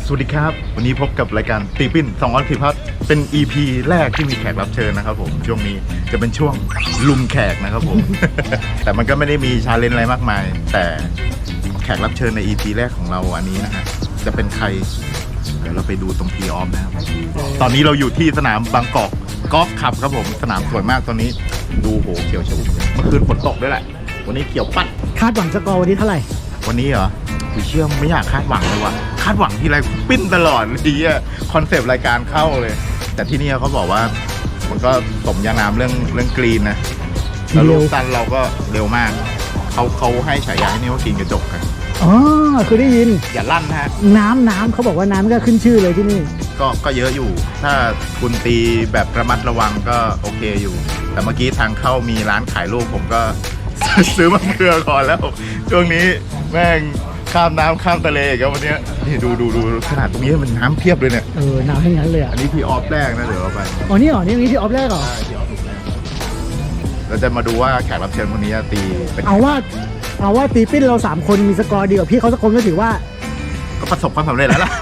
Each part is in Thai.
สวัสดีครับวันนี้พบกับรายการตีปิ้น2 วันผิดพลาดเป็น EP แรกที่มีแขกรับเชิญนะครับผมช่วงนี้จะเป็นช่วงลุมแขกนะครับผม แต่มันก็ไม่ได้มีชาเลนจ์อะไรมากมายแต่แขกรับเชิญใน EP แรกของเราอันนี้นะฮะจะเป็นใครเดี๋ยวเราไปดูตรงทีออฟนะครับตอนนี้เราอยู่ที่สนามบางกอกกอล์ฟคลับครับผมสนามสวยมากตอนนี้ดูโหเขียวชอุ่มเมื่อคืนฝนตกด้วยแหละวันนี้เขียวปัดคาดหวังสกอร์วันนี้เท่าไหร่วันนี้เหรอกูเชื่อไม่อยากคาดหวังเลยว่ะคาดหวังที่ไรปิ้นตลอดทีอะคอนเซปต์รายการเข้าเลย แต่ที่นี่เขาบอกว่ามันก็สมยานามเรื่องกรีนนะแล้วลูกสั้นเราก็เร็วมากเขาให้ฉายาให้นี่ว่ากรีนกระจกกันอ๋อคือได้ยินอย่าลั่นนะฮะน้ำเขาบอกว่าน้ำก็ขึ้นชื่อเลยที่นี่ก็เยอะอยู่ ถ้าคุณตีแบบระมัดระวังก็โอเคอยู่ แต่เมื่อกี้ทางเข้ามีร้านขายลูกผมก็ ซื้อมาเพื่อก่อนแล้วช่วงนี้แม่งข้ามน้ำข้ามทะเลอีกันวันนี้นี่ดูขนาดตรงนี้มันน้ำเพียบเลยเนี่ยน้ำทั้งนั้นเลยอ่ะอันนี้พี่ออฟแรกนะเดี๋ยวเราไปอ๋อนี่เหรอนี่ที่ออฟแรกเหรอใช่พี่ออฟถูกแรกเราจะมาดูว่าแขกรับเชิญคนนี้จะตีเป็นเอาว่าตีปิ้นเรา3คนมีสกอร์เดียวพี่เขาสักคนก็ถือว่าก็ประสบความสำเร็จแล้วล่ะ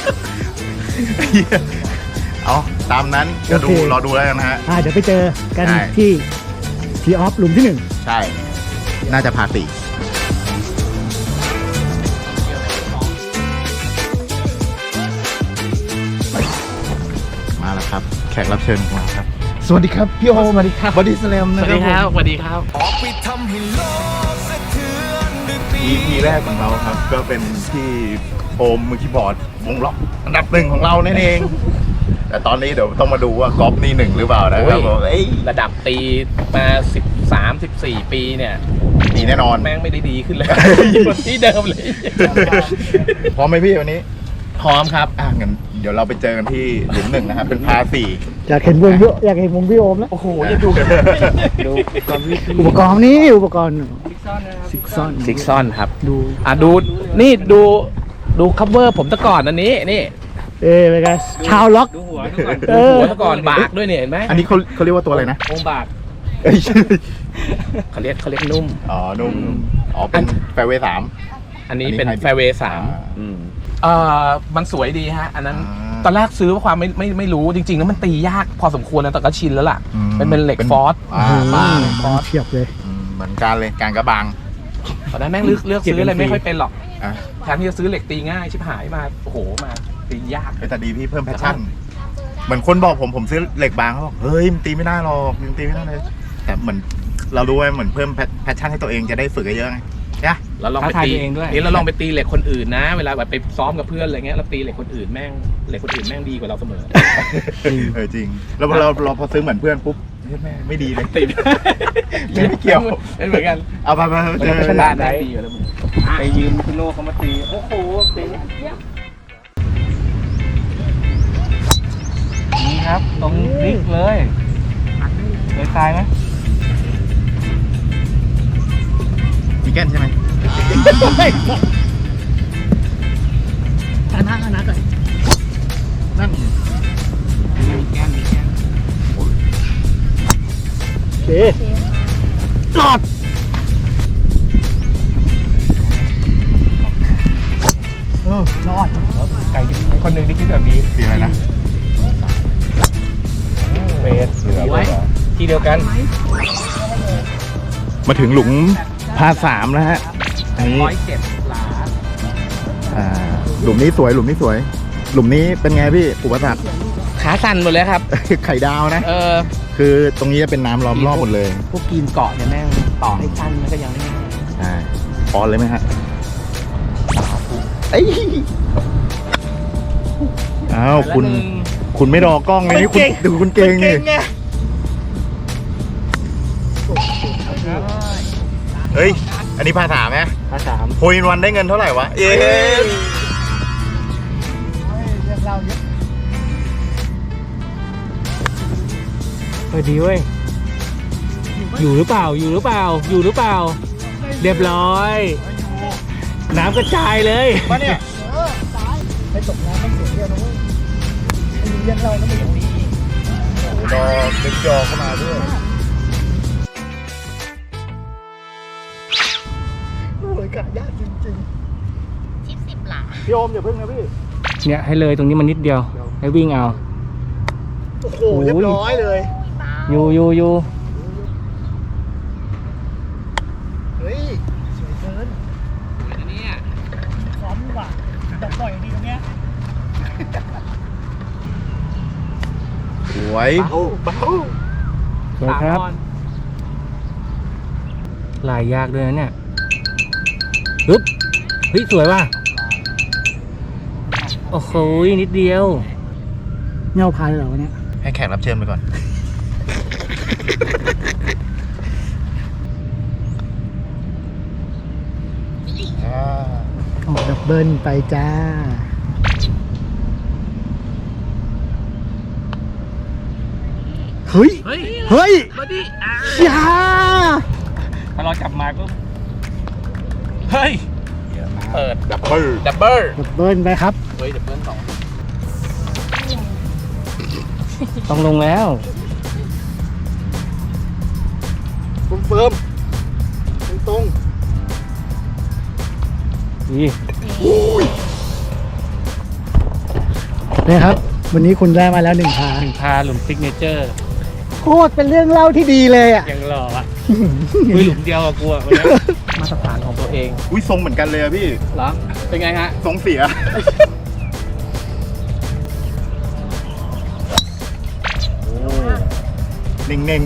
เอาตามนั้นจะดูโอเครอดูแล้วกันนะฮะเดี๋ยวไปเจอกันใช่ที่ทีออฟหลุมที่ใช่ น่าจะพาตีมาแล้วครับ แขกรับเชิญของเราครับ สวัสดีครับ พี่โอมสวัสดีครับบอดี้สแลมนะสวัสดีครับ สวัสดีครับ EP แรกของเราครับ ก็เป็นที่โอมมือคีย์บอร์ดวงล็อกอันดับ1ของเรานั่นเอง แต่ตอนนี้เดี๋ยวต้องมาดูว่ากอล์ฟนี่1หรือเปล่านะครับผมระดับตีมา 13-14 ปีเนี่ยดีแน่นอนแม่งไม่ได้ดีขึ้นเลยคนที่เดิมเลยพร้อมไหมพี่วันนี้พร้อมครับงั้นเดี๋ยวเราไปเจอกันที่หลุม1นะครับเป็นพา4 อยากเห็นวงพี่โอมแล้วโอ้โหจะดูดูอุปกรณ์นี่อุปกรณ์ซิกซอนซิกซอนครับดูนี่ดูคัฟเวอร์ผมตะก่อนอันนี้นี่เป็นไงชาวล็อกดูหัวตะก่อนบากด้วยเนี่ยเห็นไหมอันนี้เขาเรียกว่าตัวอะไรนะองบากเอ้ยเขาเรียกนุ่มอ๋อนุ่มอ๋อเป็นแฟร์เวย์3 อันนี้เป็นแฟร์เวย์3มันสวยดีฮะอันนั้นอ่าตอนแรกซื้อเพราะความไม่รู้จริงๆแล้วมันตียากพอสมควรแล้วแต่ก็ชินแล้วล่ะ มันเป็นเหล็กฟอสบางฟอสเทียบเลยเหมือนกันเลยการกระบางตอนนั้นแม่งเลือกซื้ออะไรไม่ค่อยเป็นหรอกอ่ะแทนที่จะซื้อเหล็กตีง่ายชิบหายมาโอ้โหมาตียากแต่ดีพี่เพิ่มแพชชั่น เหมือนคนบอกผมซื้อเหล็กบางเขาบอกเฮ้ยมันตีไม่ได้หรอกมันตีไม่ได้เลยแต่เหมือนเรารู้ว่าเหมือนเพิ่มแพชชั่นให้ตัวเองจะได้ฝึกเยอะๆไงใช่เราลองไปตีนี่เราลองไปตีเหล็กคนอื่นนะ เวลาแบบไปซ้อมกับเพื่อนอะไรเงี้ยเราตีเหล็กคนอื่นแม่งดีกว่าเราเสมอจริงแล้วเราพอซื้อเหมือนเพื่อนปุ๊บเฮ้ยแม่ไม่ดีเลยตีไม่เกี่ยวเป็นเหมือนกันเอาไปเจอชนะได้ตีอยู่แล้วมึงไปยืมคุณโน่เขามาตีโอ้โหตีนี่ครับตรงนิกเลยตายไหมมีแก้นใช่ไหมอันนั้นก่อนนั่นมีแก้มโอเคจอดรอดไก่คนหนึ่งที่คิดแบบนี้สีอะไรนะเฟสไว้ที่เดียวกันมาถึงหลุมพา3แล้วฮะอันนี้ 107 หลาหลุมนี้สวยหลุมนี้เป็นไงพี่อุปสรรคขาสั่นหมดเลยครับไข่ดาวนะเออคือตรงนี้จะเป็นน้ำล้อมรอบหมดเลยพวกกีนเกาะเนี่ยแม่งต่อให้สั้นมันก็ยังไม่ง่ายใช่ออนเลยไหมฮะเอ้ยอ้าวคุณไม่รอกล้องเลยนี่คุณดูคุณเก่งนี่เฮ้ยอันนี้พา3ไหมขาโฮอินวันได้เงินเท่าไหร่วะเย้ดีเว้ยอยู่หรือเปล่าเรียบร้อย น้ำกระจายเลยมาเนี่ยไปตกน้ำต้องเสียเดียวนะเว้ยไอ้เลี้ยงเราต้องไม่ดีรอดึกจอเข้ามาด้วยโอ้ยกะยากจริงทิป10 หลาๆพี่โอมอย่าพึ่งนะพี่เนี่ยให้เลยตรงนี้มันนิดเดียว ให้วิ่งเอาโอ้โหเรียบร้อยเลยอยู่เฮ้ยสวยเกินซ้อมดีกว่าจับปล่อยดีตรงเนี้ยสวยเบาสวยครับ ลายยากด้วยนะเนี่ยปึ๊บเฮ้ยสวยว่ะ โอ้โหนิดเดียวเงาพายเหรอวะเนี่ยให้แขกรับเชิญไปก่อนออกดับเบิลไปจ้า เฮ้ยเฮ้ยเฮ้ยมาดิอย่าพอเราจับมาปุ๊บเฮ้ย เปิดดับเบิลดับเบิลดับเบิลไปครับเฮ้ยดับเบิลสองต้องลงแล้วเฟิร์มตรงดีนี่ครับ วันนี้คุณได้มาแล้ว1 พาพาหลุมซิกเนเจอร์โคตรเป็นเรื่องเล่าที่ดีเลยอ่ะยังหล่ออ่ะคุยหลุมเดียวกับกูอ่ะวันนี้มาตรฐานของตัวเองอุ้ยทรงเหมือนกันเลยอะพี่เหรอ เป็นไงฮะทรงเสีย เน่ง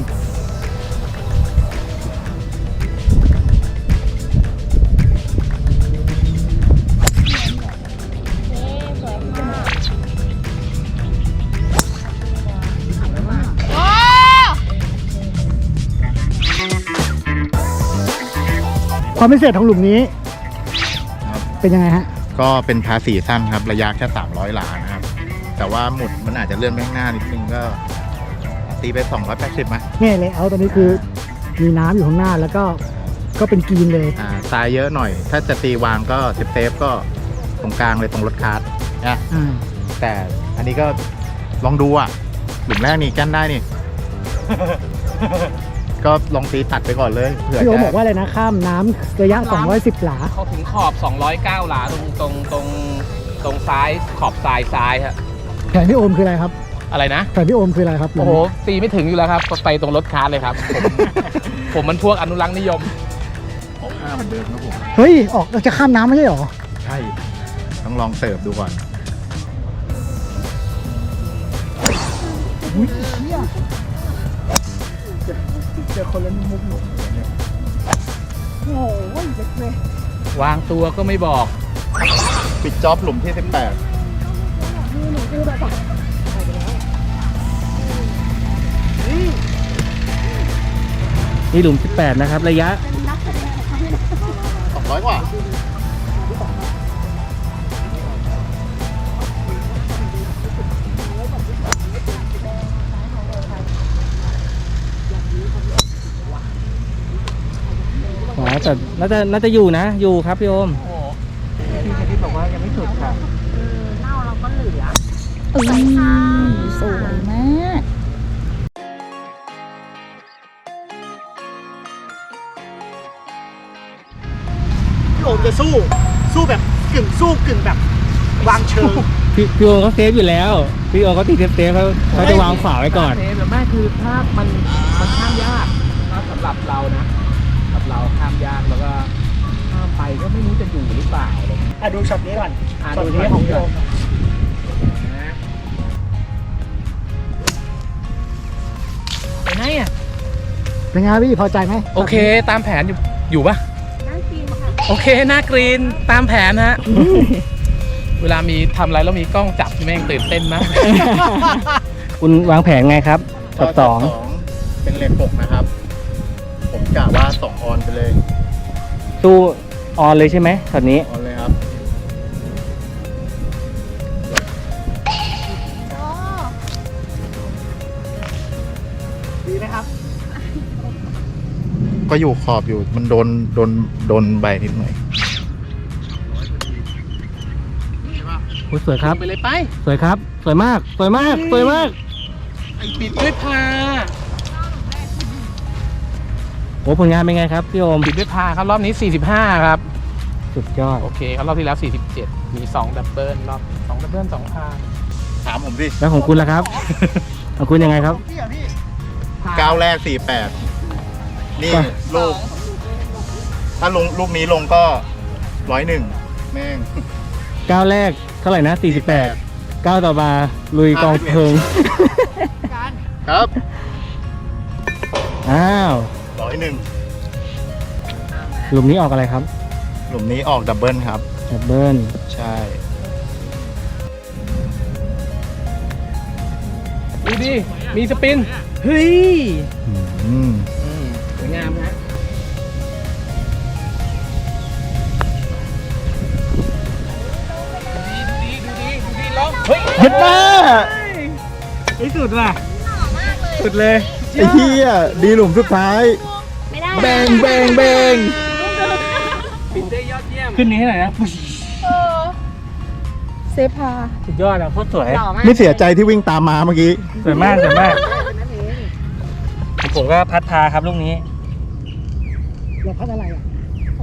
ความพิเศษของหลุมนี้ๆครับเป็นยังไงฮะก็เป็นพาสีสั้นครับ ระยะแค่300 หลานะครับ แต่ว่าหมุดมันอาจจะเลื่อนไปข้างหน้านิดนึงก็ ตีไป280ไหมนี่เลยเอาตอนนี้คือมีน้ำอยู่ข้างหน้าแล้วก็เป็นกรีนเลยทรายเยอะหน่อย ถ้าจะตีวางก็เซฟก็ตรงกลางเลยตรงรถคาร์ทนะอ่าแต่อันนี้ก็ลองดูอ่ะหลุมแรกนี่กั้นได้นี่ ก็ลองตีตัดไปก่อนเลยเผื่อพี่โอจะบอกว่าอะไรนะ ข้ามน้ำระยะ 210 หลาเขาถึงขอบ 209 หลาตรงซ้ายขอบซ้ายฮะแผนพี่โอมคืออะไรครับอะไรนะแผนพี่โอมคืออะไรครับโอ้โห ตีไม่ถึงอยู่แล้วครับ ไปตรงรถคาร์ทเลยครับ ผมมันพวกอนุรักษ์นิยม 5เหมือนเดิมครับผมเฮ้ย ออกจะข้ามน้ำไม่ใช่หรอใช่ ต้องลองเสิร์ฟดูก่อนอุ้ยเชี่ยเจอคนละมุกหนุ่มโอ้ยเล็กเลยวางตัวก็ไม่บอกปิดจ็อบหลุมที่นี่หลุม 18 นะครับ ระยะ 18 200 กว่าอ๋อแต่น่าจะอยู่นะ อยู่ครับพี่โอมพี่ชนิดบอกว่ายังไม่สุดค่ะเน่าเราก็เหลือสวยค่ะสวยมากพี่โอมจะสู้แบบกึ่งสู้กึ่งแบบวางเชิงพี่โอมเขาเซฟอยู่แล้ว พี่โอมเขาตีเซฟเขาจะวางฝาไว้ก่อนเซฟแต่แม่คือถ้ามันข้ามยากถ้าสำหรับเรานะสำหรับเราข้ามยากแล้วก็ข้ามไปก็ไม่รู้จะอยู่หรือเปล่าอะไรเงี้ยอ่ะดูช็อตนี้ก่อนดูช็อตนี้ของพี่โอมไปไหนอ่ะเป็นไงพี่พอใจไหมโอเคตามแผนอยู่ปะน่ากินค่ะโอเคหน้ากรีนตามแผนฮะ เวลามีทำอะไรแล้วมีกล้องจับแม่งตื่นเต้นมาก คุณวางแผนไงครับช็อต 2เป็นเลน6นะครับ ผมกะว่า 2 ออนไปเลยตู้ออนเลยใช่ไหมช็อตนี้ออนเลยครับดีไหมครับก็อยู่ขอบอยู่มันโดนใบนิดหน่อยสวยครับไปเลยไปสวยครับ สวยมาก สวยมาก สวยมากไอปิดด้วยพาโอ้ผลงานเป็นไงครับพี่โอมปิดด้วยพาครับรอบนี้ 45 ครับสุดยอดโอเคครับรอบที่แล้ว 47 มี2ดับเบิลรอบ2ดับเบิล2พาถามผมสิแล้วของคุณล่ะครับ ของคุณยังไงครับพี่อ่ะพี่ก้าวแรก 48 นี่ลูก ถ้าลงลูกนี้ลงก็ 101 แม่งก้าวแรกเท่าไหร่นะ 48 ก้าวต่อมาลุยกองเพลิงครับอ้าว 101 หลุมนี้ออกอะไรครับหลุมนี้ออกดับเบิลครับดับเบิลใช่ดูดิ มีสปิน เฮ้ยอืมสวยงามฮะดูดีลองเฮ้ยเห็นหน้าไอ้สุดว่ะสุดเลยไอ้เหี้ยดีหลุมสุดท้ายไม่ได้แบงแบงแบงปินได้ยอดเยี่ยมขึ้นนี้ให้หน่อยนะเซพาสุดยอดอ่ะโคตรสวยหล่อมากไม่เสียใจที่วิ่งตามมาเมื่อกี้สวยมากสวยมากผมก็พัดพาครับลูกนี้เราพัดอะไรอ่ะ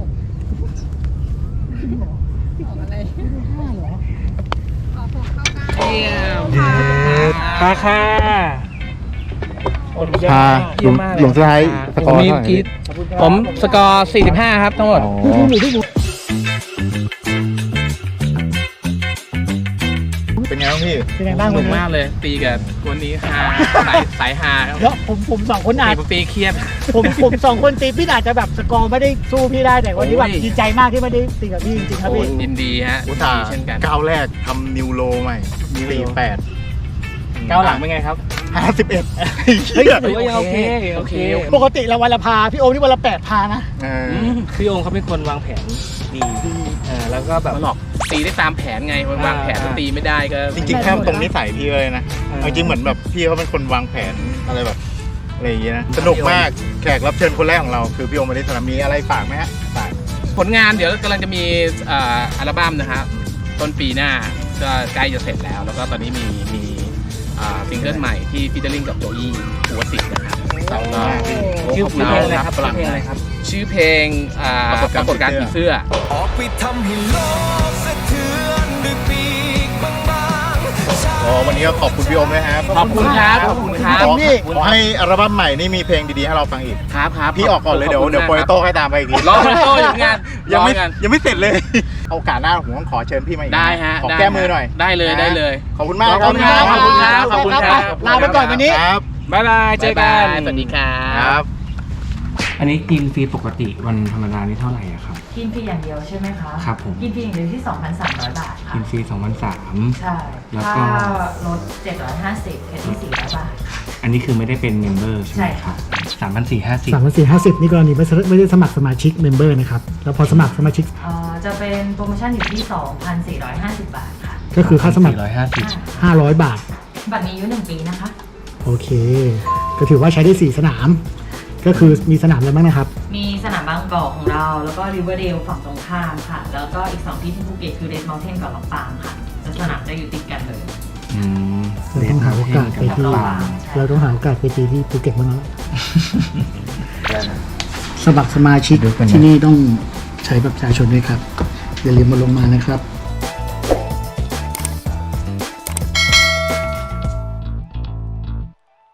เยี่ยมพาค่ะพาหลุมหลุมสุดท้ายสกอร์มีเท่าไหร่กีผมสกอร์ 45 ครับทั้งหมดอ๋อ เป็นไงบ้างพี่เป็นไงบ้างสวันุนกนี้มากเลย ตีกับคนนี้ฮาสายฮาครับเดี๋ยวผมสองคนอาจตีเครียดผมสองคนตีพี่อาจจะแบบสกอร์ไม่ได้สู้พี่ได้แต่วันนี้แบบโอ้ยดีใจมากที่ไม่ได้ตีกับพี่จริงๆครับพี่ยินดีฮะอุตส่าห์เช่นกันก้าวแรกทำนิวโลใหม่ก้าวหลังเป็นไงครับ 48 เฮ้ยเฮ้ยถือว่ายังโอเคโอเคปกติเราวันละพาพี่โอมนี่วันละ8 พานะพี่โองเขาเป็นคนวางแผนดีแล้วก็แบบมันหลอกตีได้ตามแผนไงวางแผนแล้วตีไม่ได้ก็จริงๆแค่ตรงนิสัยพี่เลยนะเอาจริงเหมือนแบบพี่เขาเป็นคนวางแผนอะไรแบบอะไรอย่างเงี้ยนะ สนุกมากแขกรับเชิญคนแรกของเราคือพี่โอมริสรามีอะไรฝากไหมฮะฝากผลงานเดี๋ยวกำลังจะมีอัลบั้มนะครับต้นปีหน้าก็ใกล้จะเสร็จแล้ว แล้วก็ตอนนี้มีซิงเกิลใหม่ที่ฟีเจอริ่งกับโจอี้หัวสิทธิ์นะครับแล้วก็ชื่อเพลงอะไรครับฝรั่งชื่อเพลงอะไรครับชื่อเพลงปรากฏการณ์ผีเสื้อออกไปทำให้โลกสะเทือนด้วยปีกบางๆอ๋อวันนี้ก็ขอบคุณพี่โอมด้วยครับขอบคุณครับขอบคุณครับขอให้อัลบั้มใหม่นี่มีเพลงดีๆให้เราฟังอีกครับครับพี่ออกก่อนเลยเดี๋ยวโปรโตให้ตามไปอีกทีรอโปรโตอยู่งานยังไม่รอกันยังไม่เสร็จเลยโอกาสหน้าผมต้องขอเชิญพี่มาอีกนได้ฮะขอได้แก้มือหน่อยได้เลยนะได้เลยขอบคุณมากขอบคุณครับขอบคุณครับขอบคุณครับลาไปก่อนวันนี้ครับบ๊ายบายเจอกันบ๊ายบายสวัสดีครับครับอันนี้กินฟรีปกติวันธรรมดานี่เท่าไหร่อะครับกินฟรีอย่างเดียวใช่ไหมคะครับผมกินฟรีอย่างเดียวที่ 2,300 บาทค่ะกินฟรี2,300 ใช่แล้วก็ถ้ารถ750แค่ที่400 บาทอันนี้คือไม่ได้เป็นเมมเบอร์ใช่ไหมใช่ครัค่ะบ 3,450 3,450นี่กรณีไม่ได้สมัครสมาชิกเมมเบอร์นะครับแล้วพอสมัครสมาชิกจะเป็นโปรโมชั่นอยู่ที่ 2,450 บาทค่ะก็คือค่าสมัคร 450 500 บาทบัตรมีอายุ1 ปีนะคะโอเค ก็ถือว่าใช้ได้ 4 สนาม ก็คือมีสนามอะไรบ้างนะครับมีสนามบางกอกของเรา แล้วก็ริเวอร์เดลฝั่งตรงข้ามค่ะ แล้วก็อีก 2 ที่ที่ภูเก็ตคือเรดเมลเทนกับลำปางค่ะจะสนามจะอยู่ติดกันเลยเราต้องหาโอกาสไปที่ เราต้องหาโอกาสไปตีที่ภูเก็ตบ้างแล้วสมัครสมาชิกที่นี่ต้องใช้บัตรประชาชนด้วยครับ อย่าลืมมาลงมานะครับ